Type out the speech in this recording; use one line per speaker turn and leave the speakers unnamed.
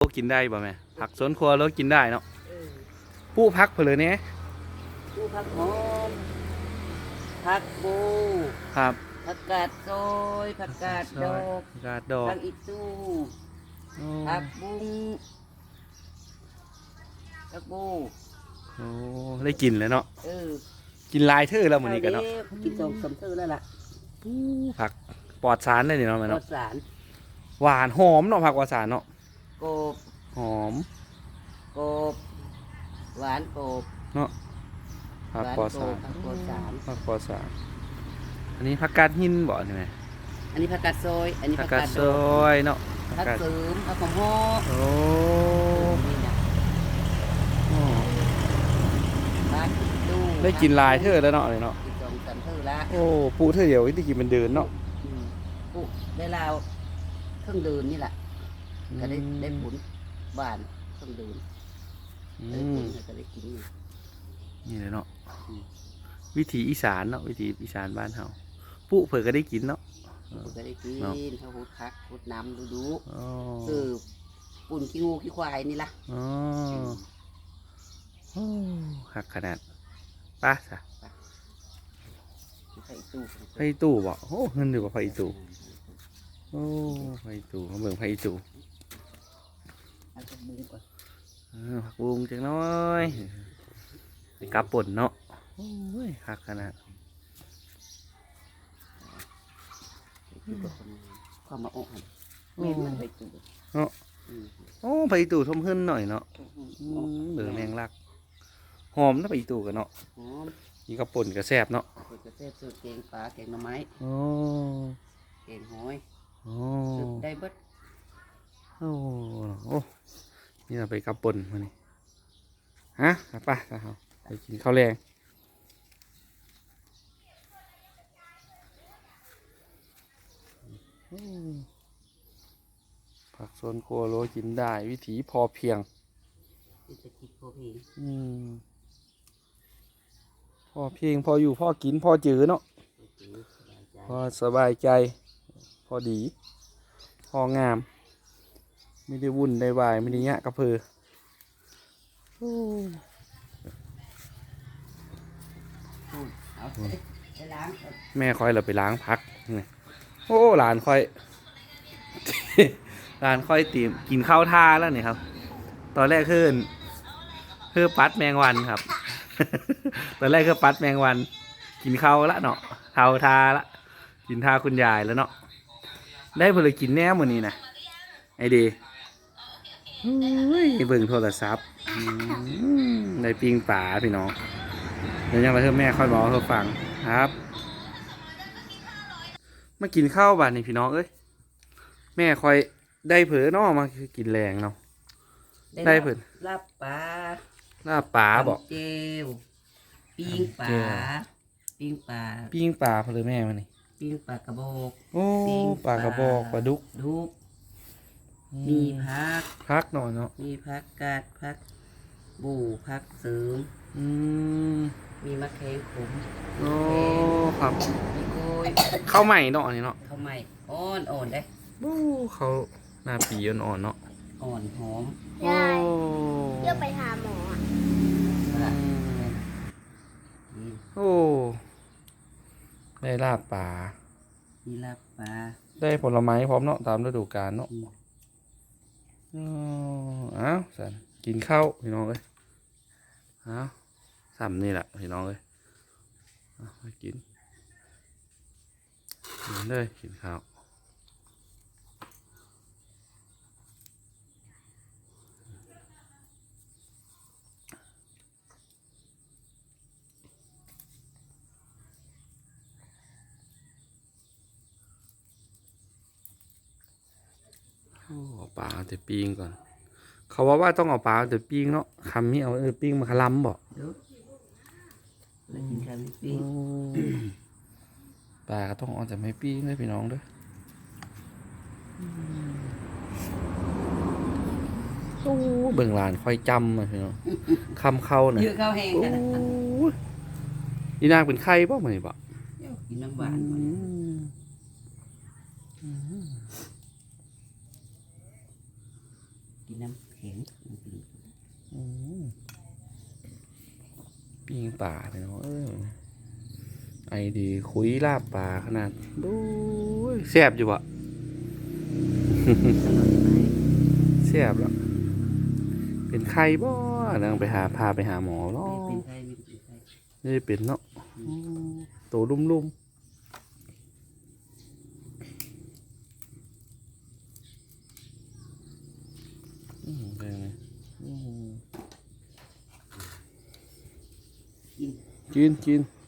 กินได้บ่แม่ผักสวนครัวเรากินได้เนาะ
เออ
ผู้พักเผลอเนี่ย
ดูผักหอมผักบู
ครับ
ผักกาดซอยผักกาดดอก
กาดดอก
ผักอีตู้
โอ้
ผักบุ้งผักบู
โอ้ได้กินแล้วเนาะ
เออ
กินลายเธอแล้วมื้อนี้กันเนาะ
กินสองสามเท่าแล้วล่ะ
ผักปลอดสารได้เนาะแม่
ร
เนาะ
สสาร
หวานหอมเนาะผักปลอดสารเนาะ
กบ
หอม
กบหวานกบ
เนาะผักปลอดสาร
ผักปลอดสาร
ผักปลอดสารอันนี้ผักกาดหินบ่นี่แม่
อันนี้ผักกาดซอยอันนี้
ผั
ผั
ก
ก
กาก
า
ด
ด
ซ
ดอก
อยเนาะผัก
ผัก
กาด
เสริมผักของหอ
โอ้
นี่นะ
โอ้
ผักอีตู้
ได้กินลายเธอแล้วเนาะเลยเนาะ
กินสองสามเท่าละ
โอ้ปูเธอเดียวที่กินมันเดินเนาะ
ปุ๊ได้ลาวเครื่องดื่มนี่แหละก็ได้ผลบ้านเครื่องดื่ม
อื
ได้
ม
ผลก็ได้กินอยู่
นี่เลยเนาะ
อืม
วิถีอีสานเนาะวิถีอีสานบ้านเฮาปุ๊เผื่อก็ได้กินเนาะ
ก็ได้กิน
เนาะ
ข้าวหุดพักหุดน้ำดู
อ๋อ
คือปุ่นขี้งูขี้ควายนี่ล่ะ
อ๋อโอ้หักขนาดไป้าจ้ะ
ใส่ตู้
ไฟตู้บ่โอ้เงินอยู่กับไฟตู้โอ้ไฟตู้มาเบิ่งไฟตู้
เอาไปบุ้งก่อน
ผักบุ้งจังน้อยไปกลับป่นเนาะโอ้ยหักขนาด
ความมาอกหันเม็ดมันไปตู้
เนาะ
อืม
โอ้ไฟตู้ทมขึ้นหน่อยเนาะ
ออก
เบอร์แมงลักหอมนะไฟตู้กันเนาะ
หอม
นี่ก็ป่นกระแซบเนาะ
เปิดกระเทศสูตรแกงปลาแกงหน่อไม้
โอ้
แกงหอย
โอ้
สูตรได้เบิด
โอ้โอ้นี่เราไปกับป่นมานี่ฮะไปครับไปกินข้าวแรงผักสวนครัวโรยกินได้วิถีพอเพียง
เป็นตะกี้พวกนี้
อืมพอเพียงพออยู่พอกินพอจือเนาะ พอสบายใจ พอดี พองาม ไม่ได้วุ่นได้วายไม่ได้ยะกระเพอโอ้
เอาไปล้างก่อน
แม่คอยเราไปล้างพักนี่โอ้หลานคอย หลานคอยตีมกินข้าวท่าแล้วนี่ครับ ตอนแรกคือปัดแมงวันครับ ตอนแรกคือปัดแมงวัน กินข้าวละเนาะเท้าทาละกินท่าคุณยายแล้วเนาะได้เพลกินแน่มื้อนี้นะไอเดีเบิ่งโทรศัพท์ได้ปิ้งป่าพี่น้องเดี๋ยวยังมาเพิ่มแม่ค่อยบอกให้ฟังครับมากินข้าวบ้านนี่พี่น้องเอ้ยแม่คอยได้เผลอเนาะมากินแรงเนาะ ได้เพิ่น
ลาบปลา
หน้าป่าบอก
ตำเจลปิ้งปลา
ตำเจล
ปิ้งปลา
ปิ้งป่าเพลอแม่มานี่
ปิ้งปลากระบอก
โอ้
ปิ้ง
ปลากระบอกปลาดุก
ดุกมีผัก
พักหน่อยเนาะ
มีผักกาดผักบูผักเสริม
อืม
มีมะเขือขม
โอ้ครับ
มีกล้วย
ข้าวใหม่เนาะอันนี้เนาะ
ข้าวไหม้อ่อนได้
โอ้เขาหน้าปีอ่อนๆเนาะ
อ่อนหอม
โอ้
เลือกไปหาหมออ่ะ
ละ
อืม
นี่
โอ้ได้ลาบป่า
มีลาบปลา
ได้ผลไม้พร้อมเนาะตามฤดูกาลเนาะ
อืม
อ๋ออ้าวสันกินข้าวพี่น้องเลยอ้าวซ้ำนี่แหละพี่น้องเลยเอาไปกินเลยกินข้าวโอ้เอาปลาเอาแต่ปิ้งก่อน เขาว่าต้องเอาปลาเอาแต่ปิ้งเนาะคำนี้เอาปิ้งมาคลำบอก
เดี๋ยวแล้วกินข้าวไม่ปิ้ง
ปลาก็ต้องเอาแต่ไม่ปิ้งเลยพี่น้องเด้วยโอ้เบิ่งหลานค่อยจำเลยพี่น้องคำเข้าน่ะ
เยอะข้าวแห้ง
โอ้
กันนะ
ยอีนางเป็นไข่ป่ะมันนี่ป่ะ
เดี๋ยวกินน้ำหวานก่อน กินน้ำแข็ง
ปิ้งป่าพี่น้องไอดีคุยลาบป่าขนาดดูแซ่บอยู่บ่
อร่อยไหม
แซ่บแล้วเป็นไข้บ่นางไปพาไปหาหมอเนาะ
ไม่เป็นไข้ไม่เป็นไข้
นี่เป็นเนาะโตลุ่มเป็นไง
กิน
กิน